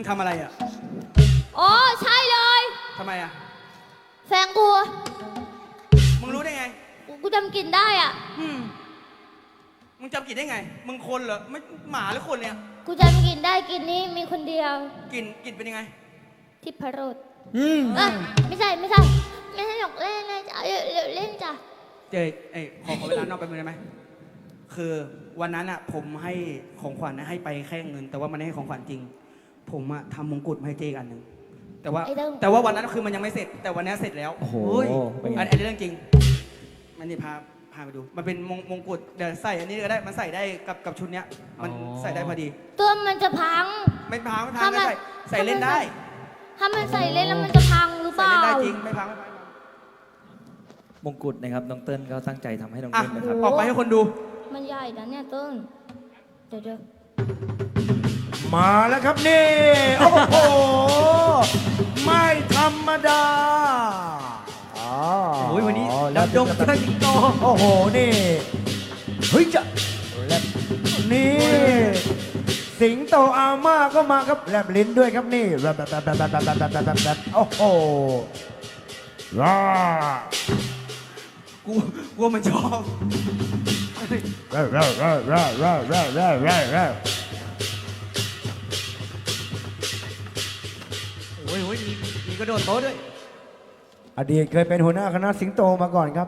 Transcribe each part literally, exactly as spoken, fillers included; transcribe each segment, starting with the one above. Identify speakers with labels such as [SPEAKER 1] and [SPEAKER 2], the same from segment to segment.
[SPEAKER 1] งทำอะไรอ่ะ
[SPEAKER 2] อ๋อใช่เลย
[SPEAKER 1] ทำไมอ่ะ
[SPEAKER 2] แฟนกู
[SPEAKER 1] มึงรู้ได้ไง
[SPEAKER 2] กูจำกลิ่นได้อ่ะ
[SPEAKER 1] อืมมึงจำกลิ่นได้ไงมึงคนเหรอไม่หมาหรือคนเนี่ย
[SPEAKER 2] กูจำกลิ่นได้กลิ่นนี้มีคนเดียว
[SPEAKER 1] กลิ่นกลิ่นเป็นยังไง
[SPEAKER 2] ทิพรส
[SPEAKER 3] อืม
[SPEAKER 2] เออไม่ใช่ไม่ใช่ไม่ใช่หยอกเล่นเลยจ้ะเล่นเล่นจ้ะ
[SPEAKER 1] เจยเอ้ยขอขอเวลานอกไปมือได้ไหมคือวันนั้นอ่ะผมให้ของขวัญให้ไปแค่เงินแต่ว่ามันไม่ให้ของขวัญจริงผมอะทำมงกุฎมาให้เจอีกอันหนึ่งแต่ว่าแต่ว่าวันนั้นคือมันยังไม่เสร็จแต่วันนี้เสร็จแล้ว
[SPEAKER 3] โอ้โห
[SPEAKER 1] อันนี้เรื่องจริงมันนี่พาพาไปดูมันเป็นมงมงกุฎเดี๋ยวใส่อันนี้ก็ได้มันใส่ได้กับกับชุดเนี้ยมันใส่ได้พอดี
[SPEAKER 2] ตัวมันจะพัง
[SPEAKER 1] ไม่พังไม่พังไม่ใส่ใส่เล่นได้
[SPEAKER 2] ถ้ามันใส่เล่นแล้วมันจะพังหรือเปล่า
[SPEAKER 1] ใส่เล่นได้จริงไม่พังไม่พัง
[SPEAKER 3] มงกุฎนะครับน้องเติ้ลก็ตั้งใจทำให้น้องเติ้ลนะครับ
[SPEAKER 1] ออกไปให้คนดู
[SPEAKER 2] มันใหญ่นะเนี่ยเติ้ลเดี๋ยวเดี๋ยว
[SPEAKER 4] มาแล้วครับนี่โอ้โหไม่ธรรมดา
[SPEAKER 1] โอ้ยวันนี้ดำดงเชิดสิงโต
[SPEAKER 4] โอ้โหนี่เฮ้ยจะนี่สิงโตอาม่าก็มาครับแลบลิ้นด้วยครับนี่แบบแบบแบบแบบแบบแบบแบบแบบโอ้โหว้า
[SPEAKER 1] กูกูมันชอบ
[SPEAKER 4] เร่เร่เร่เร่เร่เร่เร่เร่เร่
[SPEAKER 1] โอ้ยโอ้ยมีมีกระโดดโต๊ะด้วย
[SPEAKER 4] อดีตเคยเป็นหัวหน้าคณะสิงโตมาก่อนครับ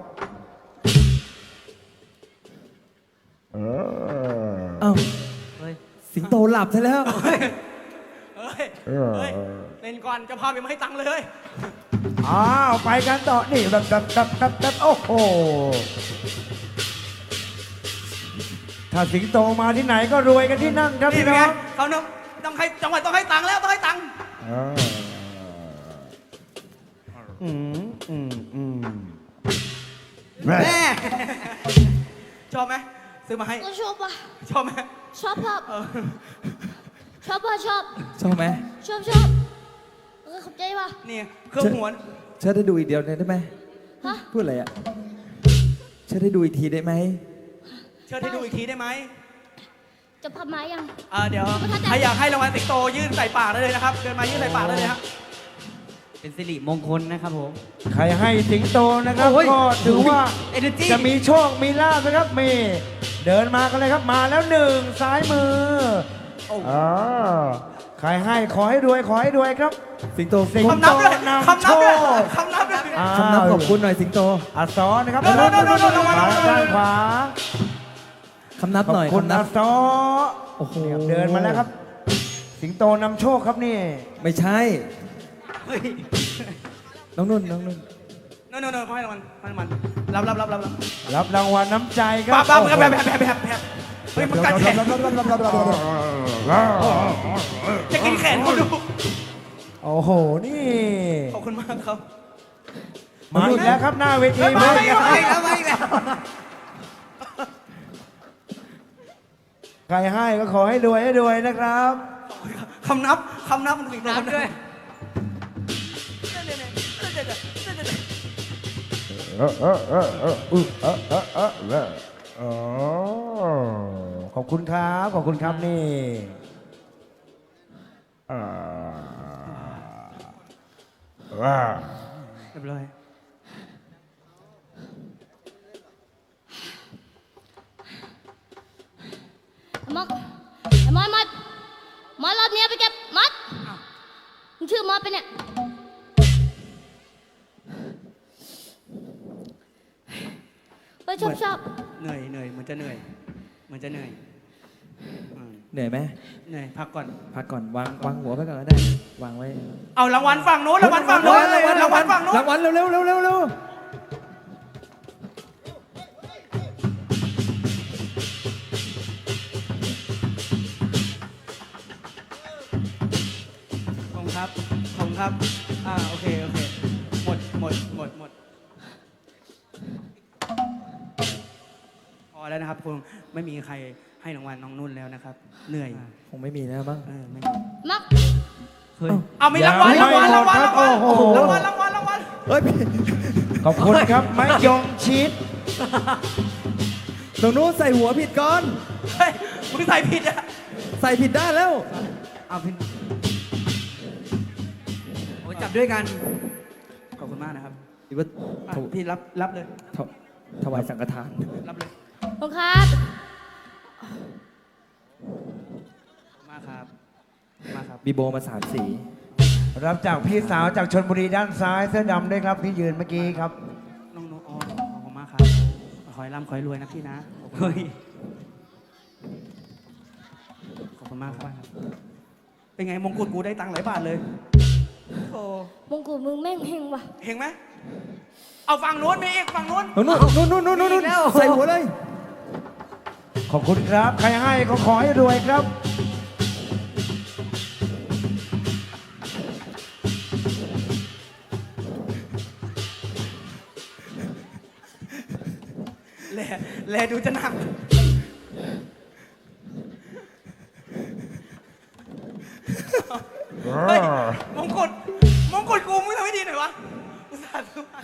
[SPEAKER 4] เออ
[SPEAKER 3] เอ้าสิงโตหลับซะแล้ว
[SPEAKER 1] เฮ้ยเฮ้ยเล่นก่อนจะพาไปไม่ให้ตังค์เลย
[SPEAKER 4] อ้าวไปกันต่อนี่แบบแบบแบบแบบแบบโอ้โหถ้าสิงโตมาที่ไหนก็รวยกันที่นั่นครับพี่น้อง
[SPEAKER 1] เขาต้องต้องให้จังหวัดต้องให้ตังค์แล้วต้องให้ตังค์
[SPEAKER 4] อืมอืมอืม
[SPEAKER 1] แม่ชอบไหมซื้อมาให้
[SPEAKER 2] ก็ชอบปะ
[SPEAKER 1] ชอบไหม
[SPEAKER 2] ชอบชอบชอบปะชอบ
[SPEAKER 3] ชอบไหม
[SPEAKER 2] ชอบชอบเออขอบใจปะ
[SPEAKER 1] นี่เครื่องหัว
[SPEAKER 3] เชิดได้ดูอีกเดียวได้ไหม
[SPEAKER 2] ฮะ
[SPEAKER 3] พูดอะไรอ่ะเชิดได้ดูอีกทีได้ไหม
[SPEAKER 1] เชิดให้ดูอีกทีได้ไหม
[SPEAKER 2] จะพับไม้ยัง
[SPEAKER 1] อ่าเดี๋ยวใครอยากให้รางวัลสิงโตยื่นใส่ปากได้เลยนะครับเดินมายื่นใส่ปากได้เลยครับเป็นสิริมงคลนะครับผม
[SPEAKER 4] ใครให้สิงโตนะครับก็ถือว่าจะมีโชคมีลาภนะครับมีเดินมากันเลยครับมาแล้วหนึ่งซ้ายมืออ๋อใครให้ขอให้รวยขอให้รวยครับ
[SPEAKER 3] สิงโต
[SPEAKER 4] สิงโตนำโชค
[SPEAKER 1] คำนับด้วย
[SPEAKER 3] คำนับขอบคุณหน่อยสิงโต
[SPEAKER 4] อัศรนะครับมาด้านขวา
[SPEAKER 3] คำนับหน่อย
[SPEAKER 4] คุณอัศร
[SPEAKER 3] โอ้โห
[SPEAKER 4] เดินมาแล้วครับสิงโตนำโชคครับนี่
[SPEAKER 3] ไม่ใช่น้องนุ่นน้องนุ่น
[SPEAKER 1] นุ่นนุ่นเขาให้รางวัลให้รางวัลรับรับรับรับ
[SPEAKER 4] รับรางวัลน้ำใจครับ
[SPEAKER 1] บ้าบ้าแบบแบบแบบแบบแบบเฮ้ยมันกัดแขนจะกินแขนเขาดู
[SPEAKER 4] โอ้โหนี่
[SPEAKER 1] ขอบคุณมากครับ
[SPEAKER 4] มาอีกแล้วครับหน้าเวที
[SPEAKER 1] มาอีกแล้วมาอีกแล้วมาอีกแล้ว
[SPEAKER 4] ใครให้ก็ขอให้รวยให้รวยนะครับ
[SPEAKER 1] คำนับคำนับมันสิงโตด้วย
[SPEAKER 4] เออเออเออเออเออเออเออเออเออเออขอบคุณครับขอบคุณครับนี่ว้า
[SPEAKER 1] เรียบร้อย
[SPEAKER 2] มัดมัดมัดมัดรอบนี้ไปเก็บมัดมึงชื่อมัดไปเนี่ยไปชอบชอบ
[SPEAKER 1] เหนื่อยเหนื่อยเหมือนจะเหนื่อยเหมือนจะเหนื่อย
[SPEAKER 3] เหนื่อยไหม
[SPEAKER 1] เหนื่อยพักก่อน
[SPEAKER 3] พักก่อนวางวางหัวไปก่อนก็ได้วางไว้
[SPEAKER 1] เอารางวัลฝั่งโน้นรางวัลฝั่งโน้นรางวัลรางวัลฝั่งโน้น
[SPEAKER 3] รางวัลเร็วเร็วเร็วเร็วเร็ว
[SPEAKER 1] ขอบคุณครับขอบคุณครับอ่าโอเคโอเคหมดหมดหมดหมดพอแล้วนะครับคงไม่มีใครให้รางวัลน้องนุ่นแล้วนะครับเหนื่อย
[SPEAKER 3] คงไม่มีแล้วบ้าง
[SPEAKER 1] เออไม่
[SPEAKER 2] มัก
[SPEAKER 1] เฮ้ยเอาไม่รางวัลรางวัลรางวัลรางวัลรางวัลรางวัลรางวัล
[SPEAKER 3] เฮ้ย
[SPEAKER 4] ขอบคุณครับไม้ยงชิด
[SPEAKER 3] ตรงนู้นใส่หัวผิดก่อน
[SPEAKER 1] เฮ้ยมึงใส่ผิดอะ
[SPEAKER 3] ใส่ผิดด้านแล้ว
[SPEAKER 1] เอาผิดจับด้วยกัน ขอบคุณมากนะครับ
[SPEAKER 3] หรือว่า
[SPEAKER 1] อ่ะ
[SPEAKER 3] ถว
[SPEAKER 1] พี่รับรับเลย
[SPEAKER 3] ถวถวายสังฆทาน
[SPEAKER 1] รับเลย
[SPEAKER 2] ขอบคุณครับ
[SPEAKER 1] ขอบคุณมากครับขอบคุณมากครับ
[SPEAKER 3] บีโบมาสามสี
[SPEAKER 4] รับจากพี่สาวจากชนบุรีด้านซ้ายเสื้อดำด้วยครับที่ยืนเมื่อกี้ครับ
[SPEAKER 1] น้องนุ๊กอ๋อขอบคุณมากครับ ขอให้ร่ำขอให้รวยนะพี่นะเฮ้ยขอบคุณมากครับ เป็นไงมงกุฎกูได้ตังค์หลายบาทเลยโอ้
[SPEAKER 2] มงกุฎมึงแม่งเฮงว่ะ
[SPEAKER 1] เห็นไหม เอาฝั่งนู้นมีอีกฝั่งนู้น
[SPEAKER 3] นู่นนู่นนู่นนู่นนู่นนู่นใส่หัวเลย
[SPEAKER 4] ขอบคุณครับ ใครให้ก็ขอให้รวยครับ
[SPEAKER 1] แลแลดูจะหนัก เฮ้ย มงกุฎมงกุฎกูมึงทำให้ดีหน่อยวะอุตส่าห์ซื้อมา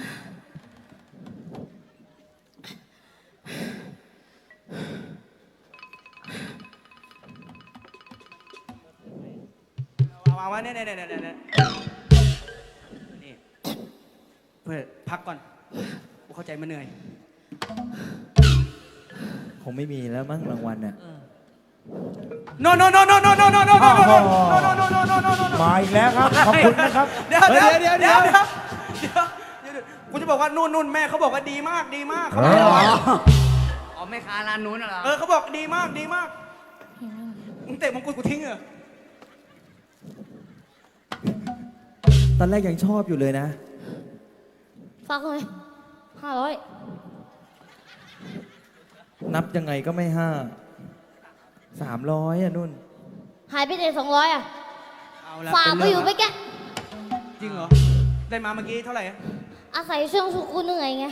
[SPEAKER 1] เอาเอาเอาเนี่ยเนี่ยเนี่ยเนี่ยนี่เพื่อพักก่อน กูเข้าใจมันเหนื่อย
[SPEAKER 3] คงไม่มีแล้วมั้งรางวัลน่ะ
[SPEAKER 1] no no no no no no no no no no no no no no no no no no
[SPEAKER 4] มาอีกแล้วครับ ขอบคุณนะครับ
[SPEAKER 1] เดี๋ยวเดี๋ยว
[SPEAKER 3] เดี๋
[SPEAKER 1] เดี๋
[SPEAKER 3] ย
[SPEAKER 1] ยว ว
[SPEAKER 3] เดี๋
[SPEAKER 1] เดี๋
[SPEAKER 3] ย
[SPEAKER 1] ยว วเดี๋ยวเดี๋ยวกูจะบอกว่านู่นนู่นแม่เขาบอกว่าดีมากดีมากเขาบอก
[SPEAKER 4] อ๋อ
[SPEAKER 5] อ๋อแม่ค้าร้านนู้นเหรอ
[SPEAKER 1] เออเขาบอกดีมากดีมากมึงเตะมงกุฎกูทิ้งเหรอ
[SPEAKER 3] ตอนแรกยังชอบอยู่เลยนะ
[SPEAKER 2] ฝากเลยห้าร้อย
[SPEAKER 3] นับยังไงก็ไม่ห้าสามร้อยอ่ะนุ่น
[SPEAKER 2] หายไปไหนสองร้อยอ่ะ
[SPEAKER 1] เอาละ
[SPEAKER 2] ฝากไป
[SPEAKER 1] เป็น
[SPEAKER 2] อยู่
[SPEAKER 1] เรื่
[SPEAKER 2] ไป
[SPEAKER 1] ง
[SPEAKER 2] แก
[SPEAKER 1] จริงเหรอ ได้มาเมื่อกี้เท่าไหร่อะ
[SPEAKER 2] อาศัยช่วงสุกุเหนื่อยไง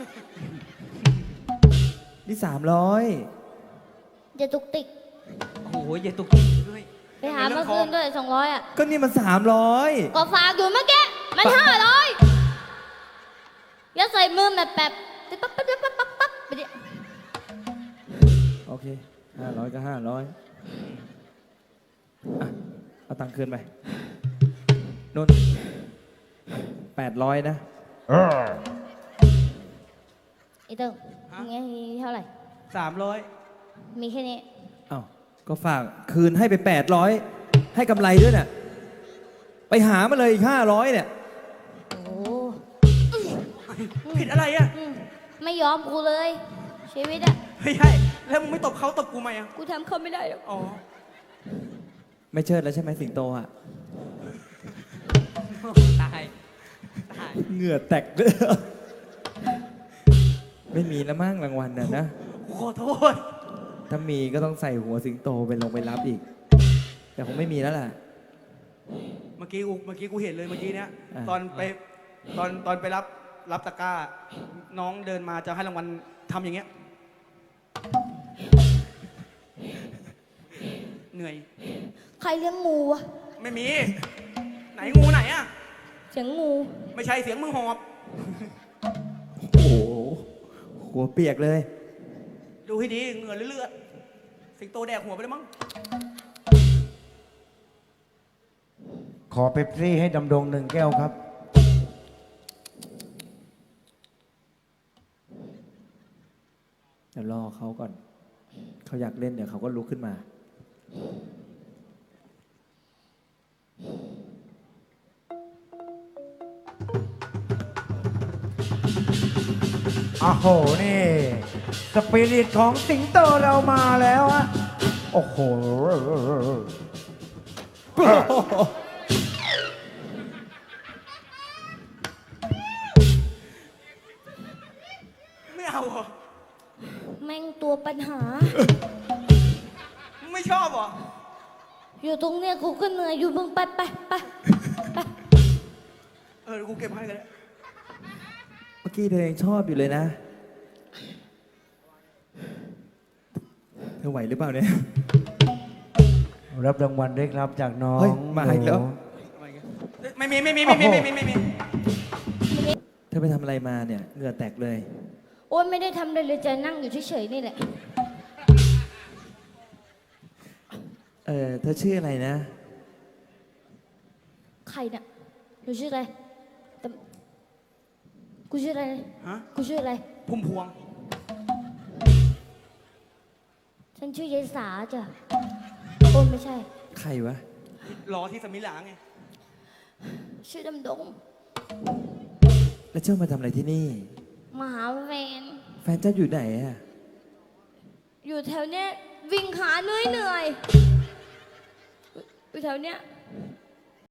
[SPEAKER 3] นี่สามร้อย
[SPEAKER 2] อย่าตุกติก
[SPEAKER 1] โอ้โหอย่าตุกติกด้วย
[SPEAKER 2] ไปหาเมื่อคืนด้วยสองร้อยอ่ะ
[SPEAKER 3] ก็นี่มันสามร้อย
[SPEAKER 2] ก็ฝากอยู่เมื่อกี้มันห้าร้อยอย่าใส่มือแบบแบบปั๊บปั๊บปั๊บปั๊บปั๊บปั๊บไปดิ
[SPEAKER 3] โอเคห้าร้อยก็ห้าร้อยอ่ะเอาตังค์คืนไปนุ่นแปดร้อยนะ
[SPEAKER 2] ไอ้เติ้งมีเท่าไหร่
[SPEAKER 1] สามร้อย
[SPEAKER 2] มีแค่นี้
[SPEAKER 3] เอ้าก็ฝากคืนให้ไปแปดร้อยให้กำไรด้วยน่ะ ไปหามาเลยอีกห้าร้อยเนี่ย
[SPEAKER 2] โอ้
[SPEAKER 1] ผิดอะไรอะ
[SPEAKER 2] อืมไม่ยอมกูเลย ชีวิตอ่ะ
[SPEAKER 1] ไม่ใช่แล้วมึงไม่ตบเขาตบกูไหมอะ
[SPEAKER 2] กูทำเขาไม่ได้หรอก
[SPEAKER 1] อ๋อ
[SPEAKER 3] ไม่เชิดแล้วใช่ไหมสิงโตอ่ะ
[SPEAKER 5] ตาย ตาย
[SPEAKER 3] เหงื่อแตกเลยไม่มีแล้วมั้งรางวัลน่ะนะ
[SPEAKER 1] กูขอโทษ
[SPEAKER 3] ถ้ามีก็ต้องใส่หัวสิงโตไปลงไปรับอีก แต่คงไม่มีแล้วล่ะ
[SPEAKER 1] เมื่อกี้กูเมื่อกี้กูเห็นเลยเมื่อกี้เนี้ย
[SPEAKER 3] อ่า
[SPEAKER 1] ตอนไปตอนตอนไปรับรับตะกร้า น้องเดินมาจะให้รางวัลทำอย่างเงี้ย เหนื่อย
[SPEAKER 2] ใครเลี้ยงงูวะ
[SPEAKER 1] ไม่มี ไหนงูไหนอะ
[SPEAKER 2] เสียงงู
[SPEAKER 1] ไม่ใช่เสียงมึงหอบ
[SPEAKER 3] โอ้โหหัวเปียกเลย
[SPEAKER 1] ดูให้ดีเหงื่อเลือดๆสิงโตแดกหัวไปแล้วมั้ง
[SPEAKER 4] ขอเป๊ปซี่ให้ดำดงหนึ่งแก้วครับ
[SPEAKER 3] เดี๋ยวรอเขาก่อน เขาอยากเล่นเดี๋ยวเขาก็ลุกขึ้นมา
[SPEAKER 4] อ้าวโห นี่ สปิริตของสิงโตเรามาแล้วฮะ โอ้โห
[SPEAKER 1] ไม่เอาเหรอ
[SPEAKER 2] แม่งตัวปัญหา
[SPEAKER 1] มึงไม่ชอบเหรอ
[SPEAKER 2] อยู่ตรงเนี้ยกูก็เหนื่อยอยู่มึงไปไปไปไป
[SPEAKER 1] เออเดี๋ยวกูเก็บให้กันเลย
[SPEAKER 3] เมื่อกี้เธอยังชอบอยู่เลยนะ เธอไหวหรือเปล่าเนี่ย
[SPEAKER 4] รับรางวัลด้วยครับจากน้อง
[SPEAKER 3] เฮ้ยมาอีกแล้ว
[SPEAKER 4] หนู
[SPEAKER 1] ไม่มีไม่มีไม่มีไม่มีไม่มี
[SPEAKER 3] เธอไปทำอะไรมาเนี่ย เหงื่อแตกเลย
[SPEAKER 2] โอ้ยไม่ได้ทำอะไรเลยจะนั่งอยู่เฉยๆนี่แหละ
[SPEAKER 3] เออเธอชื่ออะไรนะ
[SPEAKER 2] ใครน่ะหนูชื่ออะไรแต่กูชื่ออะไร
[SPEAKER 1] ฮะ
[SPEAKER 2] กูชื่ออะไร
[SPEAKER 1] พุ่มพวง
[SPEAKER 2] ฉันชื่อยายสาจ้ะโอ้ไม่ใช่
[SPEAKER 3] ใครวะ
[SPEAKER 1] รอที่สมิหลาไง
[SPEAKER 2] ชื่อดำดง
[SPEAKER 3] แล้วเจ้ามาทำอะไรที่นี่
[SPEAKER 2] มาหาแฟน
[SPEAKER 3] แฟนเจ้าอยู่ไหนอะ
[SPEAKER 2] อยู่แถวเนี้ยวิ่งหาเหนื่อยเหนื่อยอยู่แถวเนี้ย